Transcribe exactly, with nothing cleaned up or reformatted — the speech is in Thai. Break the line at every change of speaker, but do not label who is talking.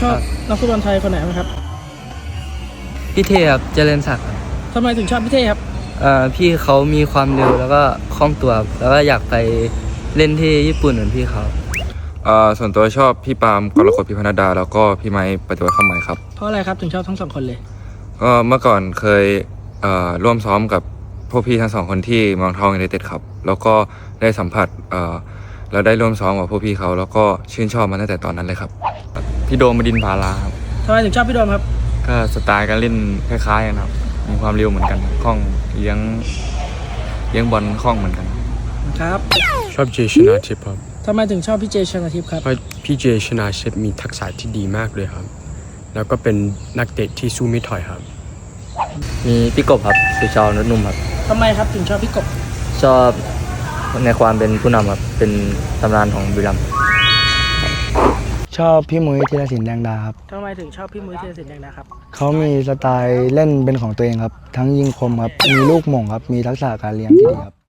ชอบนักฟุตบอลไทยคนไหนไหมครับ
พี่เทครับเจริญศักดิ์ครับ
ทำไมถึงชอบพี่เท่ครับ
เอ่อพี่เขามีความเร็วแล้วก็คล่องตัวแล้วก็อยากไปเล่นที่ญี่ปุ่นเหมือนพี่เขา
เอ่อส่วนตัวชอบพี่ปาล์มกรกฎพิพัฒนดาแล้วก็พี่ไม้ปฏิวัติข้ามใหม่ครับ
เพราะอะไรครับถึงชอบทั้งสองคนเลย
ก็เมื่อก่อนเคยเอ่อร่วมซ้อมกับพวกพี่ทั้งสองคนที่เมืองทองยูไนเต็ดครับแล้วก็ได้สัมผัสเอ่อแล้วได้ร่วมซ้อมกับพวกพี่เขาแล้วก็ชื่นชอบมาตั้งแต่ตอนนั้นเลยครับ
พี่โดมบดินทร์ภาราครับ
ทำไมถึงชอบพี่โดมครับ
ก็สไตล์การเล่นคล้ายๆกันครับมีความเร็วเหมือนกันคล่องเลี้ยงเลี้ยงบอลคล่องเหมือนกัน
ครับ
ชอบเจชนาทิพย์ครับ
ทำไมถึงชอบพี่เจชนาทิพย์ครับ
เพราะพี่เจชนาทิพย์มีทักษะที่ดีมากเลยครับแล้วก็เป็นนักเตะที่สู้ไม่ถอยครับ
มีพี่กบครับสุชาวนุชนุ่มครับ
ทำไมครับถึงชอบพี่กบ
ชอบในความเป็นผู้นำครับเป็นตำนานของบุรีรัมย์
ชอบพี่มุ้ยธีรศิลป์แดงดาครับ
ทำไมถึงชอบพี่มุ้ยธีรศิลป์แดงดาครับ
เขามีสไตล์เล่นเป็นของตัวเองครับทั้งยิงคมครับมีลูกหม่งครับมีทักษะการเลี้ยงที่ดีครับ